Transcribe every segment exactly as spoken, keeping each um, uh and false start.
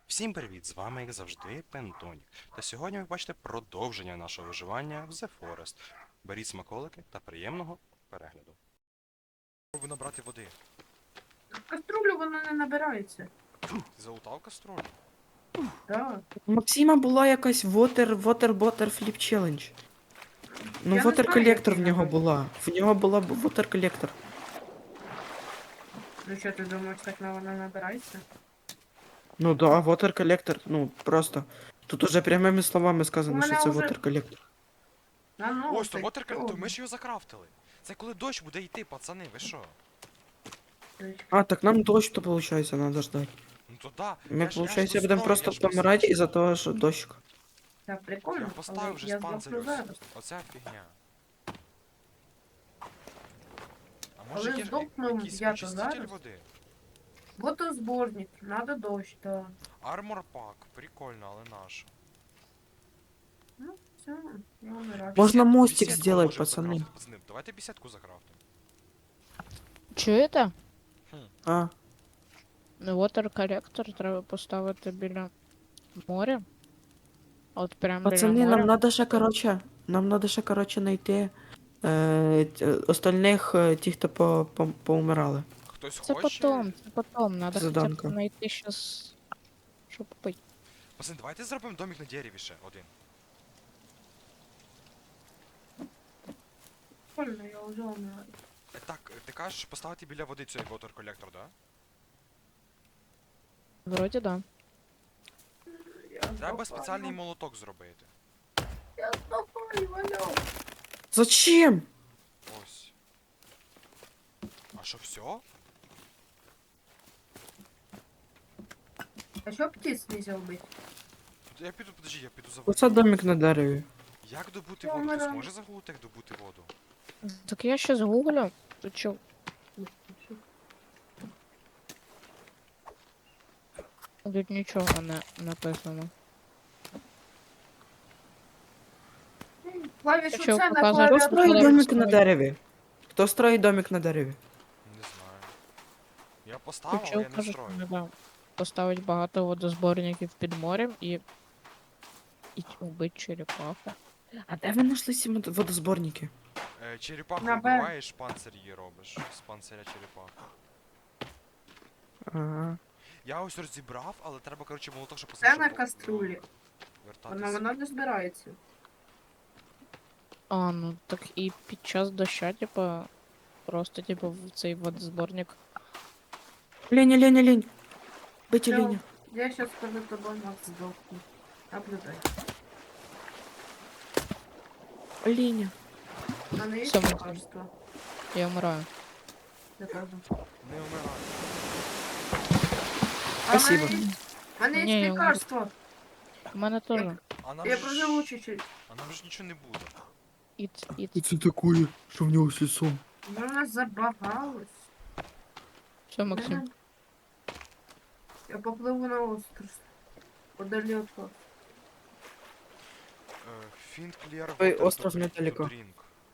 Всім привіт! З вами, як завжди, Пентонік. Та сьогодні ви бачите продовження нашого виживання в The Forest. Беріть смаколики та приємного перегляду. Пробуй набрати води. Каструлю воно не набирається. Ти залутав каструлю? Так. У Максима була якась water, water, water flip challenge. Ну, Я не water знаю, як collector в її нього набрати. була. В нього була б water collector. Ну що, ти думаєш, так на вона набирається? Ну да, water collector, ну просто. Тут уже прямими словами У сказано, мене що це вже- water collector. А ну, Ось, то так, вотер чого? то ми ж його закрафтили. Це коли дощ буде йти, пацани, ви що? А, так нам дощ, то получается, надо ждать. Ну то да. Ми, я ж- я ж получается, будемо дострою, просто я ж помирати дострою. із-за того, що дощик. Так, прикольно, Я але поставив вже я спанцирю. здохну зараз. Оця фігня. А Але може є ж здохну якийсь я-то очиститель зараз. води? Водозборник, надо дощ, так. Армор пак, прикольно, але наш. Ну, все, я умираю. Можна Бесед- мостик беседку сделать, можемо пацаны. закрафтити, пацани. Давайте беседку закрафтимо. Чуєте? А, Water колектор треба поставити біля моря. От прям пацани, біля нам моря. надо ще, короче, нам надо ще, короче, знайти е, т- остальних, е, ті, хто по, по, поумирали. Хтось Це хоче? потом, це потом. Надо хоча Заданка. б знайти щас, щоб пити. Пацани, давайте зробимо домик на дереві ще один. Прикольно, я вже умираю. Е, Так, ти кажеш поставити біля води цей water колектор, да? Вроді да. Я Треба здохаю. спеціальний молоток зробити. Я здохаю, Валя. Зачем? Ось. А що, все? А що птиць нельзя вбити? Я піду, подожди, я піду за воду. Оце домик на дереві. Як добути Я воду? Хтось вмираю. може загуглити, як добути воду? Так я щас гуглю. Тут чо? Тут нічого не написано. Клавішу Ти що, це на показуєш? Хто Хто строїть Давай, домик давай. на дереві? Хто строїть домик на дереві? Не знаю. Я поставив, але Чел я не каже, що строю. треба поставити багато водозборників під морем і... І убити черепаху. А де ви знайшли ці мод- водозборники? Е, черепаху На Б. вбиваєш, панцир її робиш. З панциря черепахи. Ага. Я ось розібрав, але треба, коротше, молоток, щоб Це на щоб, каструлі. е, Вона, Вертатись. вона не збирається. А, ну так і під час доща, типа, просто, типа, в цей водозборник. Леня, Леня, Лень. Бити Всё. Леня. Я сейчас перед тобой Макс сдохну. Наблюдай. Леня. У мене є Всё, Максим. лекарство? Я вмираю. Я кажу. Не вмирай. А в Спасибо. мене є- в мене Ні, є я лекарство. У мене теж. А нам Я же проживу ж... чуть-чуть. А нам же нічого не буде. Іц, іц. це таке, що в нього з лицом? Вона забагалась. Все, Максим. Я попливу на остров. Подалі от вас. Е, Find clear Ой, water остров to drink- недалеко. to drink.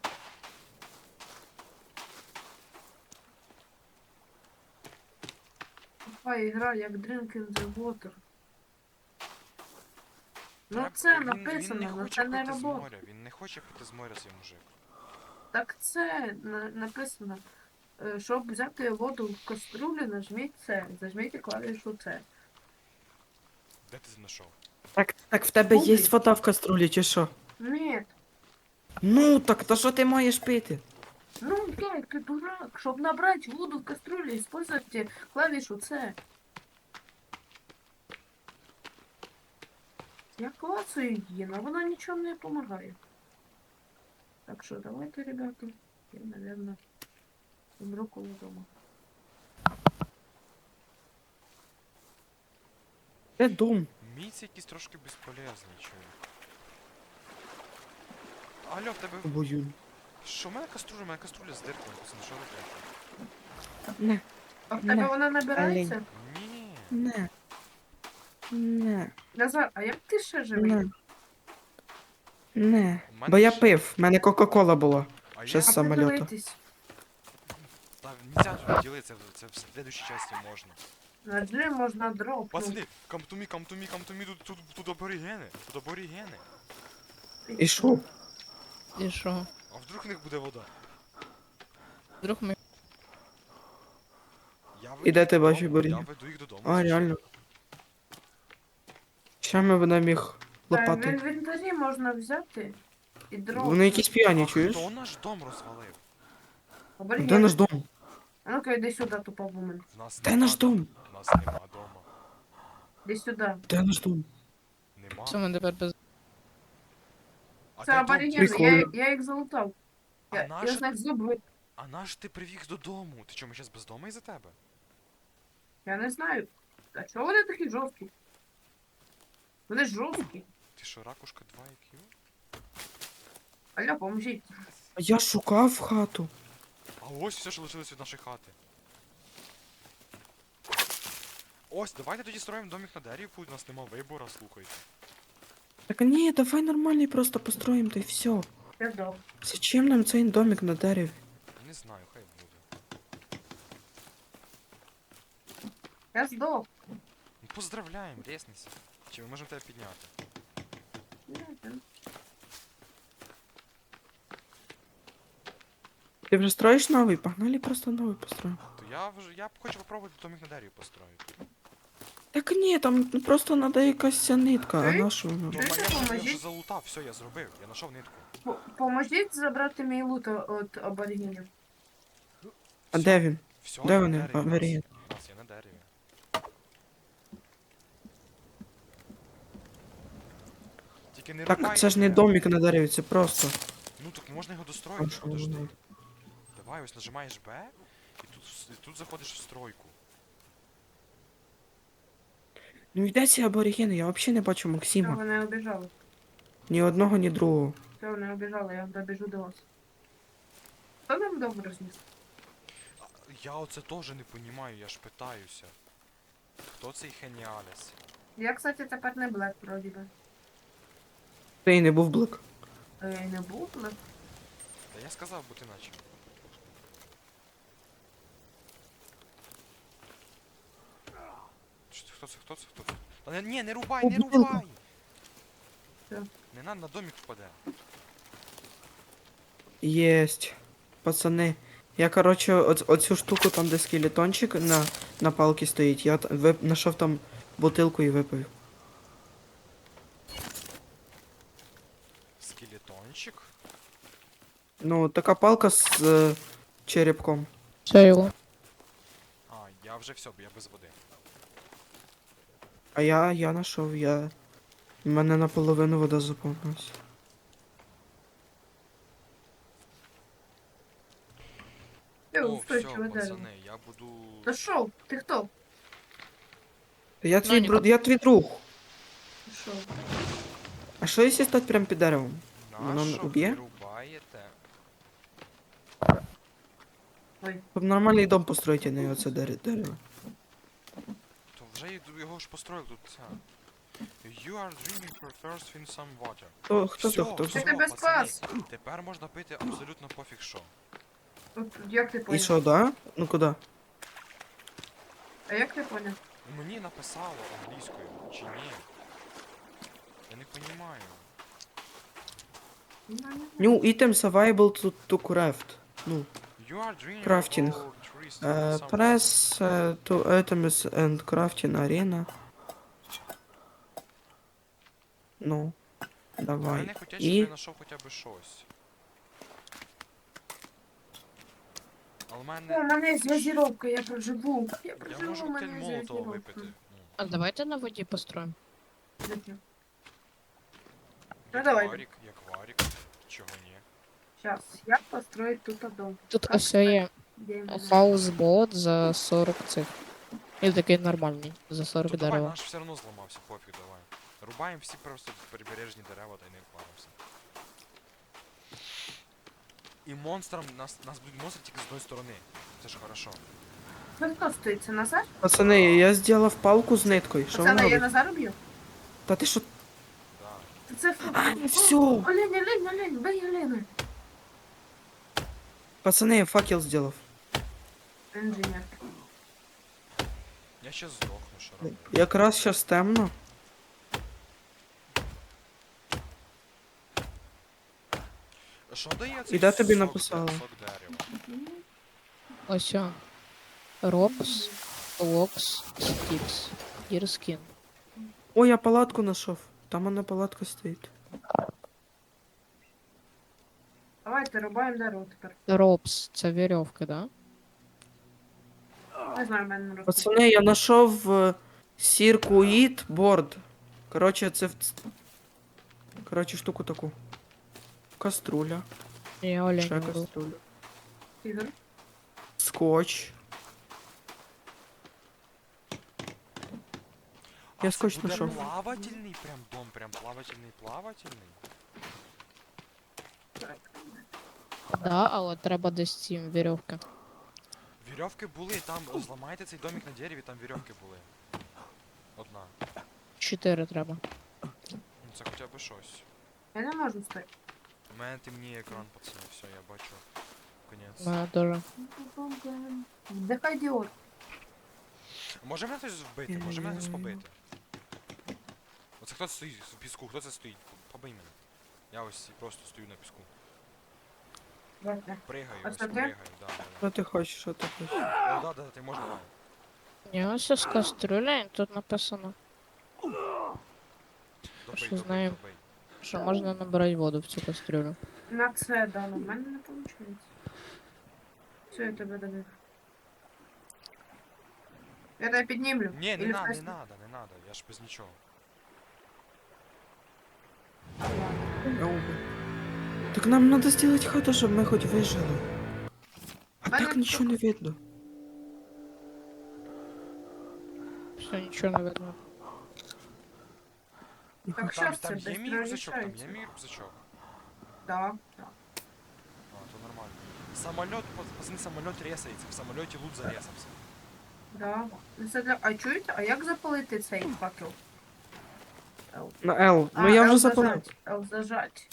Тупа ігра, як Drink in the Water. Ну Треба- це він- написано, Він не але хоче це не пити з робота. моря, він не хоче пити з моря цей мужик. Так це на- написано. Е, Щоб взяти воду в каструлю, нажміть це. Зажміть клавішу це. Де ти знайшов? Так, так в тебе є Гуглі. вода в каструлі, чи що? Ні. Ну, так то що ти маєш пити? Ну, як ти дурак, щоб набрати воду в кастрюлю, используйте клавішу С. Я клацаю її, але вона нічого не допомагає. Так що давайте, ребята, я, наверное, умру коло дома. Де дом? Міць якийсь трошки безполезний, чоловік. Алло, в тебе... Бою. Що, в мене каструля, в мене каструля з диркою, пацани, що робити? Не, А в тебе Не, вона набирається? Ні. не. Не, Назар, а як ти ще живий? не. Не. В мене Бо я ще- пив, в мене Кока-Кола була. А Ще я... з А самольоту. подивитись. Та нельзя тут ділитися, це в следующій часті можна. На G можна дропнути. Пацани, come to me, come to me, come to me, тут, тут, тут аборігени, тут аборігени. І що? І що? А вдруг в них буде вода? Вдруг ми. Я веду І де їх ти додому, бачиш аборігенів? Я веду їх додому. А, звичайно. реально. Ще ми будемо їх Та, в лопати. інвентарі можна взяти і дропнути. Вони якісь п'яні, А чуєш? хто наш дом розвалив? Аборігени. Де наш дом? А ну-ка, йди сюди, тупо вумен. В нас Де нема наш дом? В нас нема дома. Іди сюди. Де наш дом? Нема. Все, ми тепер без. А Це де дом? аборігени, Прикольно. я, я їх залутав. А Я, я наш, з них зуби. а наш ти привіз додому? Ти чому, ми зараз без дому із-за тебе? Я не знаю. А чого вони такі жорсткі? Вони ж жорсткі. Ти що, ракушка два ай кью? Алло, поможіть. А я шукав хату. А ось все, що лишилось від нашої хати. Ось, давайте тоді строїмо домик на дереві, у нас нема вибору, слухайте. Так ні, давай нормальний просто построїмо, та й все. Я здох. Зачем нам цей домик на дереві? Не знаю, хай буде. Я здох. Ну, поздравляємо, ресніся. Чи ми можемо тебе підняти? Ти вже строїш новий? Погнали просто новий построїмо. То я вже, я б хочу попробувати домик на дереві построїти. Так ні, там ну, просто треба якась ця нитка, а Чуєш? на що воно? Ну, Чуєш, я, вже- я вже поможіть? залутав, все, я зробив, я знайшов нитку. По- Поможіть забрати мій лут від аборігенів. А Всьо, де він? всьо Де на вони? дереві А, у нас. Варіант. У нас є на дереві. Тільки не рубай. Так це ж не домик на дереві, це просто. Ну так можна його А достроїти, що подожди. воно? Давай, ось нажимаєш Б, і тут, вс- і тут заходиш в стройку. Ну йде ці аборігени, я взагалі не бачу Все, Максима. вони обіжали. Ні одного, ні другого. Все, вони обіжали, я добіжу до вас. Хто нам дом розніс? А, Я оце теж не понімаю, я ж питаюся. Хто цей Хеніаліс? Я, кстати, тепер не блек, вроді би. Ти й не був блик. А я й не був блек. Та я сказав, бо ти наче. Що це, хто це, хто це, хто це? Та не, ні, не рубай, О, не бутилка. рубай! Що? Не надо, на домик впаде. Єсть. Пацани. Я, короче, оц- оцю штуку там, де скелетончик на, на палці стоїть, я т- вип... знайшов там бутилку і випив. Скелетончик. Ну, така палка з е, черепком. Все його. А, я вже все, бо я без води. А я, я знайшов, я... У мене наполовину вода заповнилась. Ти О, все, устойчиве дерево. пацани, я буду... Та шо? Ти хто? Я твій, Нані, друг, я твій друг. Ти шо? А що якщо стати прямо під деревом? Воно Нащо ви уб'є? рубаєте? Ой, Щоб нормальний дом построїти, а не оце дере- дерево. То вже й- його ж построїв тут ця. You are dreaming for first in some water. Хто, хто Всьо, то, хто всьо, то? Я тебе пацани, спас. Тепер можна пити абсолютно пофіг що. от як ти І поняв? що, да? Ну куди? А як ти поняв? Мені написало англійською, чи ні? Я не понімаю. New item available to, to craft. Ну, You are dreaming Крафтинг. for trees е, in some press е, to items and crafting arena. Ну, Я давай. не хотів, щоб І я знайшов хоча б щось. Але в У мене... мене є зв'язіровка, я проживу. Я Я проживу, можу у коктейль мене є молотова зв'язіровка. випити. Ну, А давайте на воді построїмо. Зачем? Ну як давай. варік, як варік. Чого ні? Щас, як построїть тут дом? Тут Как ось є Де він? хаусбот за сорок цих. І такий нормальний, за сорок То давай, дерева. наш все одно зламався, пофіг, давай. Рубаємо всі просто прибережні дерева та й не впаримося. І монстрам, нас, нас будуть монстри тільки з одної сторони. Це ж хорошо. Ви хто стоїть? Це Назар? пацани, я зробив палку з ниткою. Що Пацани, вона я робить? Назар б'ю? Та ти що? Да. Це фу. А, всьо. Олень, олень, олень, бей олень. Пацани, я факел зробив. Інженер. Я ще здохну, що робити. Якраз щас темно. Що дає цей І де тобі сок де- написала? сок дерева? Ось о. Робс, Локс, Стікс. Дірскін. Ой, я палатку знайшов. Там вона палатка стоїть. Давайте рубаємо дерево тепер. Робс, це вірьовка, да? Не знаю, в мене не росте. Пацани, я знайшов е, сіркуїт борд. Коротше, це в... ц- Коротше, штуку таку. Каструля. Я Ще олень буду. каструля. Ігор. Скотч. А Я це скотч буде знайшов. плавательний прям дом, прям плавательний, плавательний. Да, але треба десь ці вірьовки. Вірьовки були, там зламайте цей домик на дереві, там вірьовки були. Одна. Чотири треба. Ну це хоча б щось. Я не можу стати. У мене темніє екран, пацани, все, я бачу. Конець. У мене теж. Вдихай Діор. Може мене хтось вбити, може мене хтось побити. Оце хто стоїть в піску, хто це стоїть? Побий мене. Я ось просто стою на піску. Давайте. Пригаю, А ось це ти? пригаю, да, да, Що ти хочеш, що ти хочеш? да. О, да, да, ти можна. Ні, ось з каструля, і тут написано, Добий, Що добий, знаю. добий. що можна набирати воду в цю кастрюлю. На це дано. В мене не виходить. Все, я тебе добив. Я тебе піднімлю. Ні, не Или надо, не вкусно? надо, не надо, я ж без нічого. Я убив. Так нам надо сделать хату, щоб ми хоч вижили. А Мене так нічого не видно. Все, нічого не видно. Так що Там, ж це там є десь мій рюкзачок, там є переміщається? мій рюкзачок. Да, да. А, то нормально. Самоліт, пацани, самоліт ресається, в самоліті лут заресався. Да. Ну, це для... А чуєте? А як запалити цей факел? Л. На L. А, Ну я Л вже запалив. зажать. Л зажать.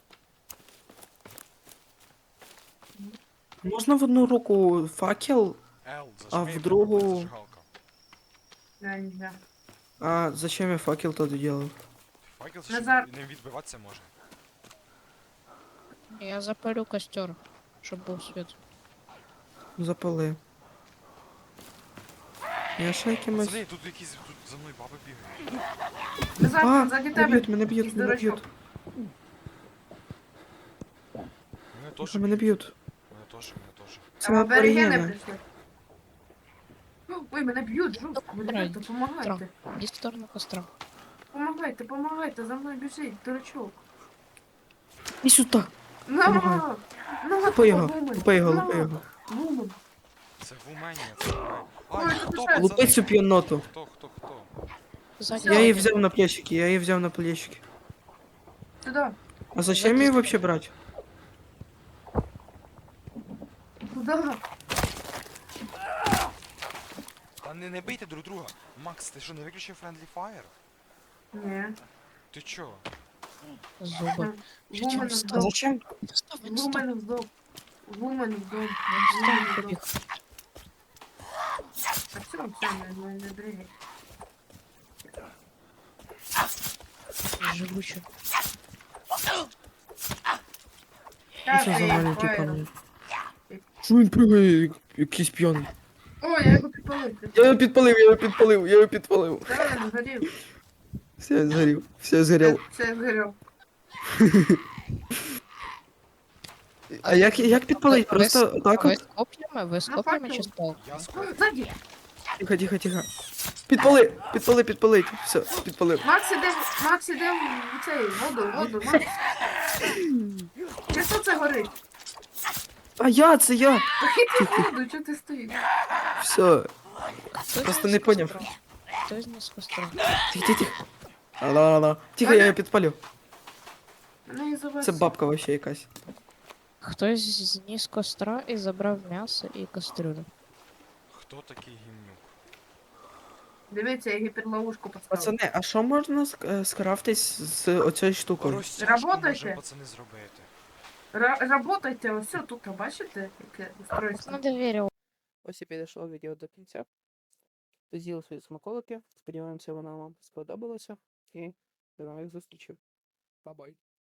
Можна в одну руку факел, L, А зажми, в і другу- буде зажигалка. Не, нельзя. а зачем я факел тоді делав? Факел ще Назар. не відбиватися може. Я запалю костер, щоб був світ. Запали. Я ще якимось... Пацани, тут якісь, тут за мною баби бігають. Назад, А, ззаді мене тебе. б'ють, мене б'ють, Якийсь мене дурачок. б'ють. Мене теж Тихо, мене б'ють. Мене теж, мене теж. Це Там аборигени аборигени. прийшли. Ой, мене б'ють, жорстко. Ой, Ребята, помагайте. Іди в сторону костра. Помагайте, помагайте, за мною біжить, дурачок. І сюди. На! Помагаю. На, Лупи його, вумен. лупи його, На, лупи його. вумен. Це в Умені, це в Умені. Ой, Ай, це хто, писать. Лупи цю п'яноту. Хто, хто, хто? Ззаді Я її ззаді. взяв на плечики, я її взяв на плечики. Сюда, А зачем її вообще брати? туда. Та не, не бийте друг друга. Макс, ти що, не виключив Friendly Fire? Не. Ти чо? Зуби. Що Вумен там А вздох. зачем? Стоп, він стоп. Вумен вздох. Вумен вздох. Він Вумен стоп побіг. вздох. А все, все, не, не, не дрігай. Живучий. Та Що за ти, маленький Фаєр. камінь? Що він пригає, як- якийсь п'яний? О, я його підпалив. Я його підпалив, я його підпалив, я його підпалив. Та він згорів. Все, я згорів, все, я згорів. Все, все згорів. А як, як підпалить? Ви- Просто ви- так Ви от? з коп'ями? Ви з коп'ями чи факел. з палкою? Я О, скоро. ззаді. Тихо, тихо, тихо. Підпали, підпали, підпалить. Все, підпалив. Макс іде, Макс іде в цей, воду, воду, Макс. Чи що це горить? А я, це я. Та йди в воду, чого ти стоїш? Все, Хтось просто з не поняв. костра. Хтось не з костра. Тихо, тихо, тихо. Алло, алло. Тихо, я його підпалю. Мене і завез. Це бабка вообще якась. Хтось зніс костра і забрав м'ясо і кастрюлю. Хто такий гімнюк? Дивіться, я гіперловушку поставив. Пацани, а що можна ск- е, скрафтись з оцією штукою? Розтяжку Работайте. може пацани зробити. Ра- Работайте, ось все, тут, бачите, яке устройство? На довір'я. Ось і підійшло відео до кінця. з'їли свої смаколики. Сподіваємося, вона вам сподобалася. І до нових зустрічей. Па-бай.